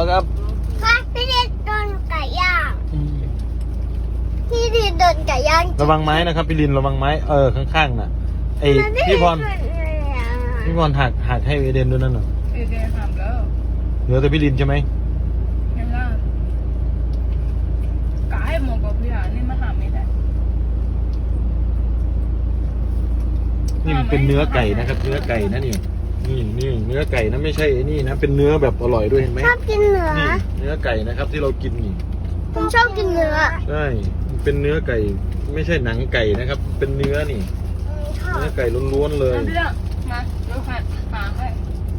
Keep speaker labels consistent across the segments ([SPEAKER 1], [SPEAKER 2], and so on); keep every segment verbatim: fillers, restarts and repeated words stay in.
[SPEAKER 1] ครับ
[SPEAKER 2] ค่ะพี่ดินโดนไก่ย่างพี่ดินโดนไก่ย่าง
[SPEAKER 1] ระวังไม้นะครับพี่ลินระวังไม้เออข้างๆน่ะไอพี่พรพี่พรหักหักให้เอเดนด้วยนั่นน่ะ
[SPEAKER 3] เอเดนทำแล้ว
[SPEAKER 1] เหลือแต่พี่ลินใช่ไหม
[SPEAKER 3] ไม่ล่ะกะให้หมดกับพี่อ่ะนี่มาหาไม่ได้
[SPEAKER 1] นี่มันเป็นเนื้อไก่นะครับ เนื้อไก่นะนี่นี่นี่เนื้อไก่นะไม่ใช่ไอ้นี่นะเป็นเนื้อแบบอร่อยด้วยเห็นไหม
[SPEAKER 2] ชอบกินเนื้อ
[SPEAKER 1] นี่เนื้อไก่นะครับที่เรากินนี่
[SPEAKER 2] ผมชอบกินเนื้อ
[SPEAKER 1] ใช่มันเป็นเนื้อไก่ไม่ใช่หนังไก่นะครับ เป็นเนื้อนี่
[SPEAKER 2] ชอบ
[SPEAKER 1] เนื้อไก่ล้วนๆเลย
[SPEAKER 3] น้ำเรื่องมาเดี๋ยวหัดหาให้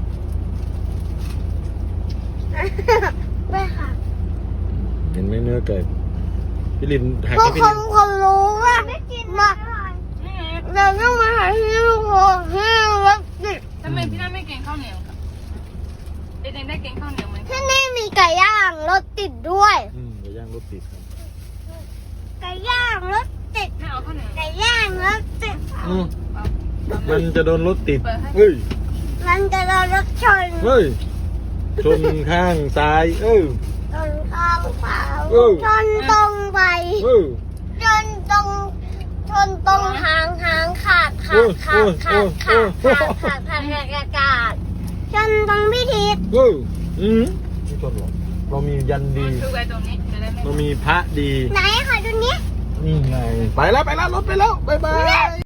[SPEAKER 2] ไม่ค่ะ
[SPEAKER 1] เห็นไหมเนื้อไก่พี่ลินหัก
[SPEAKER 2] พว
[SPEAKER 1] ให้
[SPEAKER 2] ก
[SPEAKER 1] พี่
[SPEAKER 2] ค
[SPEAKER 1] ลิ
[SPEAKER 2] น
[SPEAKER 1] น
[SPEAKER 2] คนรู้ว่ามาเราต้องมาหาที่ลูกของที่รถติด
[SPEAKER 3] ทำไมพี่น่าไม่เก่งข้าวเหนียวครับเอเดนได้เก่งข้าวเหนียวไหม
[SPEAKER 2] ที่นี่มีไก่ย่างรถติดด้วย
[SPEAKER 1] อืมไก่ย่างรถติดครับ
[SPEAKER 2] ไก่ย่างรถติด
[SPEAKER 3] ไม่เอาข้าวเหนียว
[SPEAKER 2] ไก่ย่างรถติด
[SPEAKER 1] อืม
[SPEAKER 3] เอา
[SPEAKER 1] มันจะโดนรถติดเฮ้ย
[SPEAKER 2] มันจะโดนรถชน
[SPEAKER 1] เฮ้ยชนข้างซ้ายเออ
[SPEAKER 2] ชนข้างเปล่า
[SPEAKER 1] เออ
[SPEAKER 2] ชนตรงไป
[SPEAKER 1] เออ
[SPEAKER 2] ชนตรงชนตรงหางหางขาดขาดขาดขาดขาดขาดขาดขาดขาดขาดขาดชนตรงพิธี
[SPEAKER 1] เอออืมไม่ชนหรอกเรามียันดี
[SPEAKER 3] คือไว้ตรงนี้จะได้ไม่
[SPEAKER 1] เรามีพระดี
[SPEAKER 2] ไหนขอดูนี้
[SPEAKER 1] นี่ไงไปแล้วไปแล้วรถไปแล้วบ๊ายบาย